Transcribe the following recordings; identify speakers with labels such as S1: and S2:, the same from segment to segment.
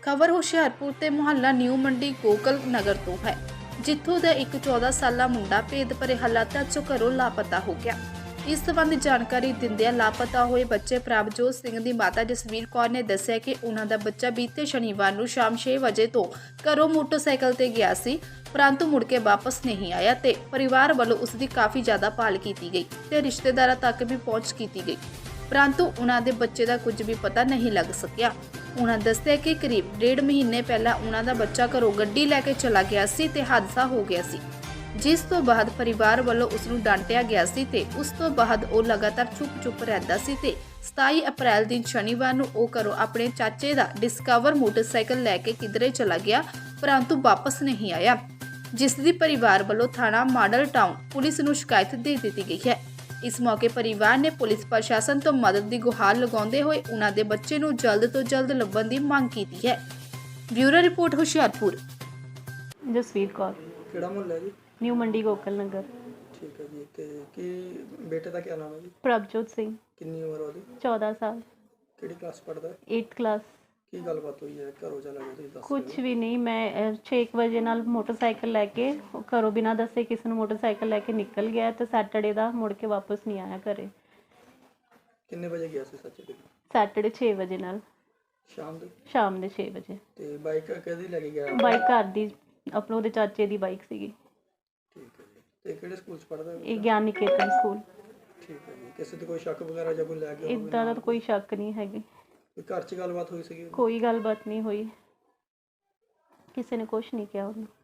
S1: ਖਬਰ ਹੁਸ਼ਿਆਰਪੁਰ ਤੇ ਮੁਹੱਲਾ ਨਿਊ ਮੰਡੀ ਗੋਕਲ ਨਗਰ ਤੋਂ ਹੈ, ਜਿੱਥੋਂ ਦਾ ਇੱਕ 14 ਸਾਲਾ ਮੁੰਡਾ ਭੇਦ ਭਰੇ ਹਾਲਾਤਾਂ 'ਚੋਂ ਘਰੋਂ ਲਾਪਤਾ ਹੋ ਗਿਆ। ਇਸ ਸੰਬੰਧੀ ਜਾਣਕਾਰੀ ਦਿੰਦਿਆਂ ਲਾਪਤਾ ਹੋਏ ਬੱਚੇ ਪ੍ਰਭਜੋਤ ਸਿੰਘ ਦੀ ਮਾਤਾ ਜਸਵੀਰ ਕੌਰ ਨੇ ਦੱਸਿਆ ਕਿ ਉਹਨਾਂ ਦਾ ਬੱਚਾ ਬੀਤੇ ਸ਼ਨੀਵਾਰ ਨੂੰ ਸ਼ਾਮ 6 ਵਜੇ ਤੋਂ ਘਰੋਂ ਮੋਟਰਸਾਈਕਲ ਤੇ ਗਿਆ ਸੀ, ਪਰੰਤੂ ਮੁੜ ਕੇ ਵਾਪਸ ਨਹੀਂ ਆਇਆ ਤੇ ਪਰਿਵਾਰ ਵੱਲੋਂ ਉਸ ਦੀ ਕਾਫੀ ਜ਼ਿਆਦਾ ਭਾਲ ਕੀਤੀ ਗਈ ਤੇ ਰਿਸ਼ਤੇਦਾਰਾਂ ਤੱਕ ਵੀ ਪਹੁੰਚ ਕੀਤੀ ਗਈ, ਪਰੰਤੂ ਉਹਨਾਂ ਦੇ ਬੱਚੇ ਦਾ ਕੁਝ ਵੀ ਪਤਾ ਨਹੀਂ ਲੱਗ ਸਕਿਆ। ਉਹਨਾਂ ਦੱਸਿਆ ਕਿ ਕਰੀਬ 1.5 ਮਹੀਨੇ ਪਹਿਲਾਂ ਉਹਨਾਂ ਦਾ ਬੱਚਾ ਘਰੋਂ ਗੱਡੀ ਲੈ ਕੇ ਚਲਾ ਗਿਆ ਸੀ ਤੇ ਹਾਦਸਾ ਹੋ ਗਿਆ ਸੀ, ਜਿਸ ਤੋਂ ਬਾਅਦ ਪਰਿਵਾਰ ਵੱਲੋਂ ਉਸ ਨੂੰ ਡਾਂਟਿਆ ਗਿਆ ਸੀ ਤੇ ਉਸ ਤੋਂ ਬਾਅਦ ਉਹ ਲਗਾਤਾਰ ਚੁੱਪ ਰਹਿੰਦਾ ਸੀ ਤੇ 27 ਅਪ੍ਰੈਲ ਦਿਨ ਸ਼ਨੀਵਾਰ ਨੂੰ ਉਹ ਘਰੋਂ ਆਪਣੇ ਚਾਚੇ ਦਾ ਡਿਸਕਵਰ ਮੋਟਰਸਾਈਕਲ ਲੈ ਕੇ ਕਿਧਰੇ ਚਲਾ ਗਿਆ, ਪਰੰਤੂ ਵਾਪਸ ਨਹੀਂ ਆਇਆ, ਜਿਸ ਦੀ ਪਰਿਵਾਰ ਵੱਲੋਂ ਥਾਣਾ ਮਾਡਲ ਟਾਊਨ ਪੁਲਿਸ ਨੂੰ ਸ਼ਿਕਾਇਤ ਦੇ ਦਿੱਤੀ ਗਈ ਹੈ। ਇਸ ਮੌਕੇ ਪਰਿਵਾਰ ਨੇ ਪੁਲਿਸ ਪ੍ਰਸ਼ਾਸਨ ਤੋਂ ਮਦਦ ਦੀ ਗੁਹਾਰ ਲਗਾਉਂਦੇ ਹੋਏ ਉਹਨਾਂ ਦੇ ਬੱਚੇ ਨੂੰ ਜਲਦ ਤੋਂ ਜਲਦ ਲੱਭਣ ਦੀ ਮੰਗ ਕੀਤੀ ਹੈ। Bureau report Hoshiarpur.
S2: ਜਸਵੀਰ ਕੌਰ,
S3: ਕਿਹੜਾ ਮੁਹੱਲਾ ਜੀ?
S2: ਨਿਊ ਮੰਡੀ ਗੋਕਲ ਨਗਰ।
S3: ਠੀਕ ਹੈ ਜੀ। ਤੇ ਕੀ ਬੇਟੇ ਦਾ ਕੀ ਨਾਮ ਹੈ ਜੀ?
S2: ਪ੍ਰਭਜੋਤ ਸਿੰਘ।
S3: ਕਿੰਨੀ ਉਮਰ ਉਹਦੀ?
S2: 14 ਸਾਲ।
S3: ਕਿਹੜੀ ਕਲਾਸ ਪੜ੍ਹਦਾ ਹੈ?
S2: 8th class.
S3: ਕੀ ਗੱਲਬਾਤ ਹੋਈ ਹੈ? ਘਰੋਂ ਚਲਾ ਗਿਆ ਤੁਸੀਂ ਦੱਸ?
S2: ਕੁਝ ਵੀ ਨਹੀਂ, ਮੈਂ 6 ਵਜੇ ਨਾਲ ਮੋਟਰਸਾਈਕਲ ਲੈ ਕੇ ਘਰੋਂ ਬਿਨਾਂ ਦੱਸੇ ਕਿਸੇ ਨੂੰ ਮੋਟਰਸਾਈਕਲ ਲੈ ਕੇ ਨਿਕਲ ਗਿਆ ਤੇ ਸੈਟਰਡੇ ਦਾ ਮੁੜ ਕੇ ਵਾਪਸ ਨਹੀਂ ਆਇਆ ਘਰੇ।
S3: ਕਿੰਨੇ ਵਜੇ ਗਿਆ ਸੀ ਸੱਚੇ?
S2: ਸੈਟਰਡੇ 6 ਵਜੇ ਨਾਲ
S3: ਸ਼ਾਮ ਦੇ
S2: 6 ਵਜੇ।
S3: ਤੇ ਬਾਈਕ ਕਿਹਦੀ ਲੈ ਕੇ ਗਿਆ?
S2: ਬਾਈਕ ਘਰ ਦੀ, ਆਪਣੇ ਉਹਦੇ ਚਾਚੇ ਦੀ ਬਾਈਕ ਸੀਗੀ।
S3: ਠੀਕ ਹੈ ਜੀ। ਤੇ ਕਿਹੜੇ ਸਕੂਲ 'ਚ ਪੜ੍ਹਦਾ ਹੈ?
S2: ਇਹ ਗਿਆਨ ਨਿਕੇਤਨ ਸਕੂਲ।
S3: ਠੀਕ ਹੈ ਜੀ। ਕਿਸੇ ਤੇ ਕੋਈ ਸ਼ੱਕ ਵਗੈਰਾ ਜਾਂ ਕੋਈ ਲੈ ਗਿਆ ਹੋਵੇ?
S2: ਇੱਦਾਂ ਦਾ ਤਾਂ ਕੋਈ ਸ਼ੱਕ ਨਹੀਂ ਹੈਗੀ।
S3: ਕੋਈ ਘਰ 'ਚ ਗੱਲਬਾਤ ਹੋਈ ਸੀਗੀ?
S2: ਕੋਈ ਗੱਲਬਾਤ ਨਹੀਂ ਹੋਈ, ਕਿਸੇ ਨੇ ਕੁਛ ਨਹੀਂ ਕਿਹਾ ਉਹਨੂੰ।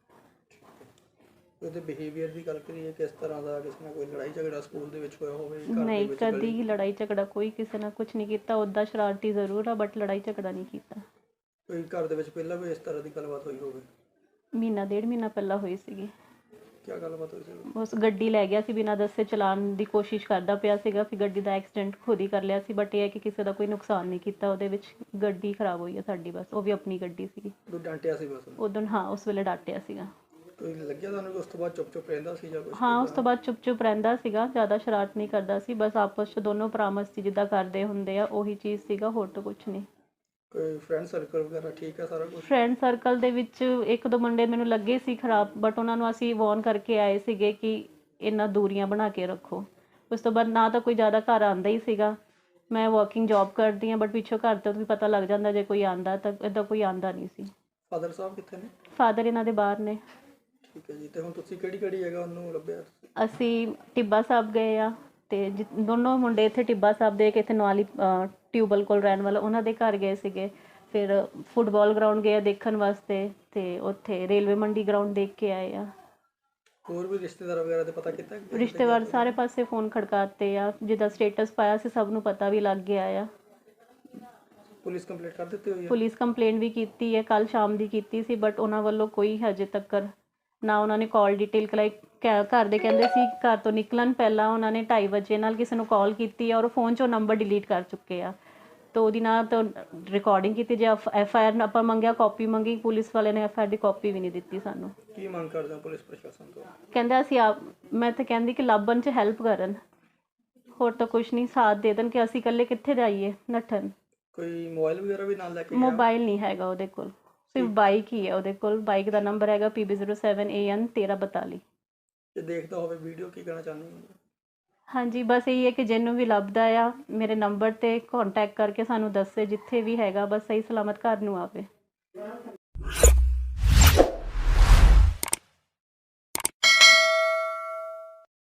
S3: ਉਹਦੇ ਬਿਹੇਵੀਅਰ ਦੀ ਗੱਲ ਕਰੀਏ, ਕਿਸ ਤਰ੍ਹਾਂ ਦਾ? ਕਿਸੇ ਨਾਲ ਕੋਈ ਲੜਾਈ ਝਗੜਾ ਸਕੂਲ ਦੇ ਵਿੱਚ ਹੋਇਆ ਹੋਵੇ?
S2: ਨਹੀਂ, ਕਦੀ ਹੀ ਲੜਾਈ ਝਗੜਾ ਕੋਈ ਕਿਸੇ ਨਾਲ ਕੁਝ ਨਹੀਂ ਕੀਤਾ। ਉੱਦਾਂ ਸ਼ਰਾਰਤੀ ਜ਼ਰੂਰ ਆ, ਬਟ ਲੜਾਈ ਝਗੜਾ ਨਹੀਂ ਕੀਤਾ।
S3: ਕੋਈ ਘਰ ਦੇ ਵਿੱਚ ਪਹਿਲਾਂ ਵੀ ਇਸ ਤਰ੍ਹਾਂ ਦੀ ਗੱਲਬਾਤ ਹੋਈ ਹੋਵੇ?
S2: ਮਹੀਨਾ 1.5 ਮਹੀਨਾ ਪਹਿਲਾਂ ਹੋਈ ਸੀਗੀ।
S3: ਕੀ ਗੱਲਬਾਤ ਹੋਈ ਸੀ?
S2: ਉਸ ਗੱਡੀ ਲੈ ਗਿਆ ਸੀ, ਬਿਨਾਂ ਦੱਸੇ ਚਲਾਉਣ ਦੀ ਕੋਸ਼ਿਸ਼ ਕਰਦਾ ਪਿਆ ਸੀਗਾ, ਫਿਰ ਗੱਡੀ ਦਾ ਐਕਸੀਡੈਂਟ ਖੁਦ ਹੀ ਕਰ ਲਿਆ ਸੀ, ਬਟ ਇਹ ਹੈ ਕਿ ਕਿਸੇ ਦਾ ਕੋਈ ਨੁਕਸਾਨ ਨਹੀਂ ਕੀਤਾ ਉਹਦੇ ਵਿੱਚ। ਗੱਡੀ ਖਰਾਬ ਹੋਈ ਹੈ ਸਾਡੀ, ਬਸ। ਉਹ ਵੀ ਆਪਣੀ ਗੱਡੀ ਸੀਗੀ।
S3: ਕੋਈ ਡਾਂਟਿਆ ਸੀ ਬਸ
S2: ਉਦੋਂ? ਹਾਂ, ਉਸ ਵੇਲੇ ਡਾਂਟਿਆ ਸੀਗਾ।
S3: ਕੋਈ ਲੱਗਿਆ ਤੁਹਾਨੂੰ ਕਿ ਉਸ ਤੋਂ ਬਾਅਦ ਚੁੱਪ ਰਹਿੰਦਾ ਸੀ ਜਾਂ ਕੁਝ?
S2: ਹਾਂ, ਉਸ ਤੋਂ ਬਾਅਦ ਚੁੱਪ ਰਹਿੰਦਾ ਸੀਗਾ, ਜ਼ਿਆਦਾ ਸ਼ਰਾਰਤ ਨਹੀਂ ਕਰਦਾ ਸੀ, ਬਸ ਆਪਸ 'ਚ ਦੋਨੋਂ ਭਰਾ ਮਸਤੀ ਜਿੱਦਾਂ ਕਰਦੇ ਹੁੰਦੇ ਆ ਉਹੀ ਚੀਜ਼ ਸੀਗਾ, ਹੋਰ ਤਾਂ ਕੁਝ ਨਹੀਂ।
S3: ਕੋਈ ਫਰੈਂਡ ਸਰਕਲ ਵਗੈਰਾ ਠੀਕ ਹੈ ਸਾਰਾ ਕੁਝ?
S2: ਫਰੈਂਡ ਸਰਕਲ ਦੇ ਵਿੱਚ 1-2 ਮੁੰਡੇ ਮੈਨੂੰ ਲੱਗੇ ਸੀ ਖਰਾਬ, ਬਟ ਉਹਨਾਂ ਨੂੰ ਅਸੀਂ ਵਾਰਨ ਕਰਕੇ ਆਏ ਸੀਗੇ ਕਿ ਇਹਨਾਂ ਦੂਰੀਆਂ ਬਣਾ ਕੇ ਰੱਖੋ। ਉਸ ਤੋਂ ਬਾਅਦ ਨਾ ਤਾਂ ਕੋਈ ਜ਼ਿਆਦਾ ਘਰ ਆਉਂਦਾ ਹੀ ਸੀਗਾ। ਮੈਂ ਵਾਕਿੰਗ ਜੌਬ ਕਰਦੀ ਹਾਂ, ਬਟ ਪਿੱਛੋਂ ਘਰ ਤੋਂ ਵੀ ਪਤਾ ਲੱਗ ਜਾਂਦਾ ਜੇ ਕੋਈ ਆਉਂਦਾ, ਤਾਂ ਇੱਦਾਂ ਕੋਈ ਆਉਂਦਾ ਨਹੀਂ ਸੀ।
S3: ਫਾਦਰ ਸਾਹਿਬ ਕਿੱਥੇ ਨੇ?
S2: ਫਾਦਰ ਇਹਨਾਂ ਦੇ ਬਾਹਰ ਨੇ।
S3: ਠੀਕ ਹੈ ਜੀ। ਤੇ ਹੁਣ ਤੁਸੀਂ ਕਿਹੜੀ ਜਗ੍ਹਾ ਉਹਨੂੰ ਲੱਭਿਆ?
S2: ਅਸੀਂ ਟਿੱਬਾ ਸਾਹਿਬ ਗਏ ਆ, ਤੇ ਦੋਨੋਂ ਮੁੰਡੇ ਇੱਥੇ ਟਿੱਬਾ ਸਾਹਿਬ ਦੇ ਇੱਥੇ ਨਵਾਲੀ ਟਿਊਬਲ ਕੋਲ ਰਹਿਣ ਵਾਲਾ, ਉਹਨਾਂ ਦੇ ਘਰ ਗਏ ਸੀਗੇ। ਫਿਰ ਫੁੱਟਬਾਲ ਗਰਾਊਂਡ ਗਏ ਆ ਦੇਖਣ ਵਾਸਤੇ, ਤੇ ਉੱਥੇ ਰੇਲਵੇ ਮੰਡੀ ਗਰਾਊਂਡ ਦੇਖ ਕੇ ਆਏ ਆ।
S3: ਹੋਰ ਵੀ ਰਿਸ਼ਤੇਦਾਰ ਵਗੈਰਾ ਤੇ ਪਤਾ ਕੀਤਾ?
S2: ਰਿਸ਼ਤੇਦਾਰ ਸਾਰੇ ਪਾਸੇ ਫੋਨ ਖੜਕਾਤੇ ਆ, ਜਿੱਦਾਂ ਸਟੇਟਸ ਪਾਇਆ ਸੀ ਸਭ ਨੂੰ ਪਤਾ ਵੀ ਲੱਗ ਗਿਆ ਆ।
S3: ਪੁਲਿਸ ਕੰਪਲੇਂਟ ਕਰ ਦਿੱਤੀ ਹੋਈ ਹੈ?
S2: ਪੁਲਿਸ ਕੰਪਲੇਂਟ ਵੀ ਕੀਤੀ ਹੈ, ਕੱਲ ਸ਼ਾਮ ਦੀ ਕੀਤੀ ਸੀ, ਬਟ ਉਹਨਾਂ ਵੱਲੋਂ ਕੋਈ ਹਜੇ ਤੱਕ ਨਾ ਉਹਨਾਂ ਨੇ ਕਾਲ ਡਿਟੇਲ ਕਲਾਈ। ਘਰ ਦੇ ਕਹਿੰਦੇ ਸੀ ਘਰ ਤੋਂ ਨਿਕਲਣ ਪਹਿਲਾਂ ਉਹਨਾਂ ਨੇ 2:30 ਵਜੇ ਨਾਲ ਕਿਸੇ ਨੂੰ ਕਾਲ ਕੀਤੀ ਹੈ ਔਰ ਫੋਨ 'ਚੋਂ ਨੰਬਰ ਡਿਲੀਟ ਕਰ ਚੁੱਕੇ ਆ, ਤਾਂ ਉਹਦੀ ਨਾ ਤਾਂ ਰਿਕਾਰਡਿੰਗ ਕੀਤੀ। ਜੇ FIR ਆਪਾਂ ਮੰਗਿਆ, ਕਾਪੀ ਮੰਗੀ, ਪੁਲਿਸ ਵਾਲੇ ਨੇ FIR ਦੀ ਕਾਪੀ ਵੀ ਨਹੀਂ ਦਿੱਤੀ ਸਾਨੂੰ।
S3: ਕੀ ਮੰਗ ਕਰਦੇ ਹੋ ਪੁਲਿਸ ਪ੍ਰਸ਼ਾਸਨ ਤੋਂ?
S2: ਕਹਿੰਦੇ ਅਸੀਂ ਮੈਂ ਤਾਂ ਕਹਿੰਦੀ ਕਿ ਲੱਭਣ 'ਚ ਹੈਲਪ ਕਰਨ, ਹੋਰ ਤਾਂ ਕੁਛ ਨਹੀਂ, ਸਾਥ ਦੇ ਦੇਣ ਕਿ ਅਸੀਂ ਇਕੱਲੇ ਕਿੱਥੇ ਜਾਈਏ ਨੱਠਣ।
S3: ਕੋਈ ਮੋਬਾਈਲ ਵਗੈਰਾ ਵੀ ਨਾਲ ਲੈ ਕੇ?
S2: ਮੋਬਾਈਲ ਨਹੀਂ ਹੈਗਾ ਉਹਦੇ ਕੋਲ, ਸਿਰਫ ਬਾਈਕ ਹੀ ਹੈ ਉਹਦੇ ਕੋਲ। ਬਾਈਕ ਦਾ ਨੰਬਰ ਹੈਗਾ PB07AN 1342।
S3: ਜੇ ਦੇਖਦਾ ਹੋਵੇ ਵੀਡੀਓ, ਕੀ ਕਹਿਣਾ ਚਾਹੁੰਦੇ ਹੋ?
S2: ਹਾਂਜੀ, ਬਸ ਇਹੀ ਹੈ ਕਿ ਜਿਹਨੂੰ ਵੀ ਲੱਭਦਾ ਆ ਮੇਰੇ ਨੰਬਰ 'ਤੇ ਕੰਟੈਕਟ ਕਰਕੇ ਸਾਨੂੰ ਦੱਸੇ, ਜਿੱਥੇ ਵੀ ਹੈਗਾ, ਬਸ ਸਹੀ ਸਲਾਮਤ ਘਰ ਨੂੰ ਆਵੇ।